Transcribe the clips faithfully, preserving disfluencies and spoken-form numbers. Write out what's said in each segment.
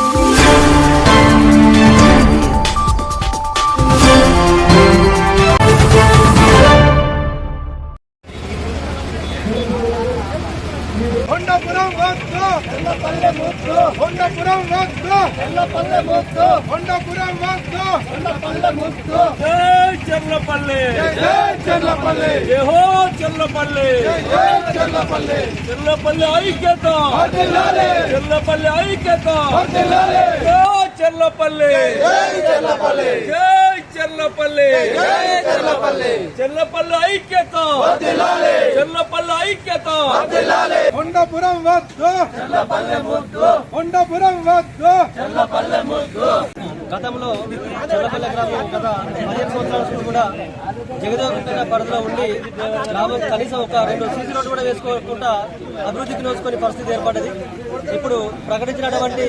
కొండాపురం వద్దు కొండపల్లె ముద్దు కొండాపురం వద్దు కొండపల్లె ముద్దు కొండాపురం వద్దు కొండపల్లె ముద్దు జై చెర్లపల్లి జై చెర్లపల్లి జై హో చెర్లపల్లి జై చెర్లపల్లి చెర్లపల్లి ఐక్యత వర్ధిల్లాలి చెర్లపల్లి ఐక్యత వర్ధిల్లాలి జై చెర్లపల్లి జై చెర్లపల్లి జై చెర్లపల్లి జై చెర్లపల్లి చెర్లపల్లి ఐక్యత వర్ధిల్లాలి చెర్లపల్లి ఐక్యత వర్ధిల్లాలి కొండాపురం వద్దు చెర్లపల్లి ముద్దు కొండాపురం వద్దు చెర్లపల్లి ముద్దు గతంలో చెర్లపల్లి గ్రామం గత పదిహేను సంవత్సరాల నుంచి కూడా జగదేవగుంట పరిధిలో ఉండి గ్రామం కనీసం ఒక రెండు సీసీ రోడ్డు కూడా వేసుకోకుండా అభివృద్ధికి నోచుకునే పరిస్థితి ఏర్పడ్డది. ఇప్పుడు ప్రకటించినటువంటి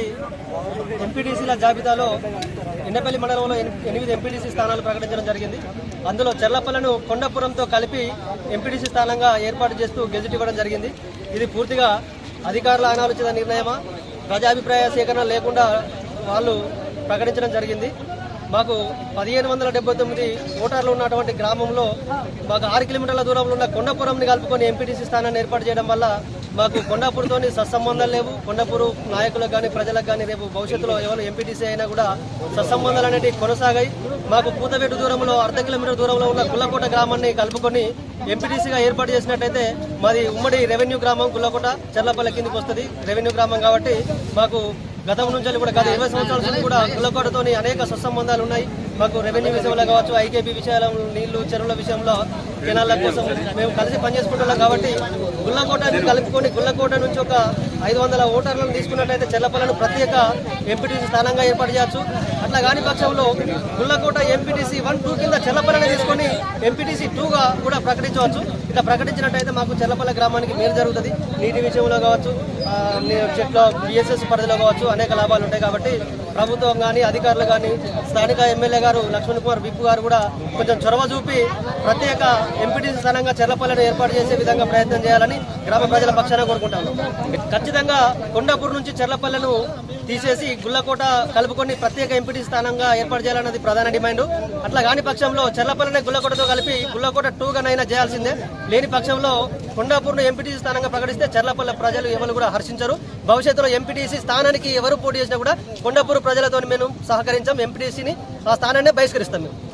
ఎంపీటీసీల జాబితాలో ఎన్నపల్లి మండలంలో ఎనిమిది ఎంపీటీసీ స్థానాలు ప్రకటించడం జరిగింది. అందులో చెర్లపల్లిను కొండాపురంతో కలిపి ఎంపీటీసీ స్థానంగా ఏర్పాటు చేస్తూ గెజిట్ ఇవ్వడం జరిగింది. ఇది పూర్తిగా అధికారుల అనాలోచిత నిర్ణయమా, ప్రజాభిప్రాయ సేకరణ లేకుండా వాళ్ళు ప్రకటించడం జరిగింది. మాకు పదిహేను వందల డెబ్బై తొమ్మిది ఓటర్లు ఉన్నటువంటి గ్రామంలో మాకు ఆరు కిలోమీటర్ల దూరంలో ఉన్న కొండాపురంని కలుపుకొని ఎంపీటీసీ స్థానాన్ని ఏర్పాటు చేయడం వల్ల మాకు కొండాపూర్తో సత్సంబంధాలు లేవు. కొండాపూర్ నాయకులకు కానీ ప్రజలకు కానీ రేపు భవిష్యత్తులో ఎవరు ఎంపీటీసీ అయినా కూడా సత్సంబంధాలు అనేవి కొనసాగాయి. మాకు పూతవేటు దూరంలో అర్ధ కిలోమీటర్ దూరంలో ఉన్న గుల్లకోట గ్రామాన్ని కలుపుకొని ఎంపీటీసీగా ఏర్పాటు చేసినట్టయితే మాది ఉమ్మడి రెవెన్యూ గ్రామం గుల్లకోట చెర్లపల్లి కిందికి వస్తుంది. రెవెన్యూ గ్రామం కాబట్టి మాకు గతం నుంచి కూడా గత ఇరవై సంవత్సరాల నుంచి కూడా గుల్లకోటతో అనేక సత్సంబంధాలు ఉన్నాయి. మాకు రెవెన్యూ విషయంలో కావచ్చు, ఐకేపీ విషయాల నీళ్లు చెరువుల విషయంలో కెనాల కోసం మేము కలిసి పనిచేసుకుంటున్నాం. కాబట్టి గుల్లకోటని కలుపుకొని గుల్లకోట నుంచి ఒక ఐదు వందల ఓటర్లను తీసుకున్నట్టయితే చెర్లపల్లిను ప్రత్యేక ఎంపీటీసీ స్థానంగా ఏర్పాటు చేయొచ్చు. అట్లా కాని పక్షంలో గుల్లకోట ఎంపీటీసీ వన్ టూ కింద చెర్లపల్లిని తీసుకొని ఎంపీటీసీ టూగా కూడా ప్రకటించవచ్చు. ఇట్లా ప్రకటించినట్టయితే మాకు చెర్లపల్లి గ్రామానికి మేలు జరుగుతుంది. నీటి విషయంలో కావచ్చు, చెట్ల బిఎస్ఎస్ పరిధిలో కావచ్చు అనేక లాభాలు ఉంటాయి. కాబట్టి ప్రభుత్వం కానీ అధికారులు కానీ స్థానిక ఎమ్మెల్యే గారు లక్ష్మణ్ కుమార్ విప్పు గారు కూడా కొంచెం చొరవ చూపి ప్రత్యేక ఎంపీటీసీ స్థానంగా చెర్లపల్లిని ఏర్పాటు చేసే విధంగా ప్రయత్నం చేయాలని గ్రామ ప్రజల పక్షాన కోరుకుంటాను. ఖచ్చితంగా కొండాపూర్ నుంచి చెర్లపల్లిను తీసేసి గుల్లకోట కలుపుకొని ప్రత్యేక ఎంపీటీసీ స్థానంగా ఏర్పాటు చేయాలన్నది ప్రధాన డిమాండ్. అట్లా కాని పక్షంలో చెర్లపల్లిని గుల్లకోటతో కలిపి గుల్లకోట టూగానైనా చేయాల్సిందే. లేని పక్షంలో కొండాపూర్ను ఎంపీటీసీ స్థానంగా ప్రకటిస్తే చెర్లపల్లి ప్రజలు ఎవరు కూడా హర్షించరు. భవిష్యత్తులో ఎంపీటీసీ స్థానానికి ఎవరు పోటీ చేసినా కూడా కొండాపూర్ ప్రజలతో మేము సహకరించాం. ఎంపీటీసీని ఆ స్థానాన్ని బహిష్కరిస్తాం మేము.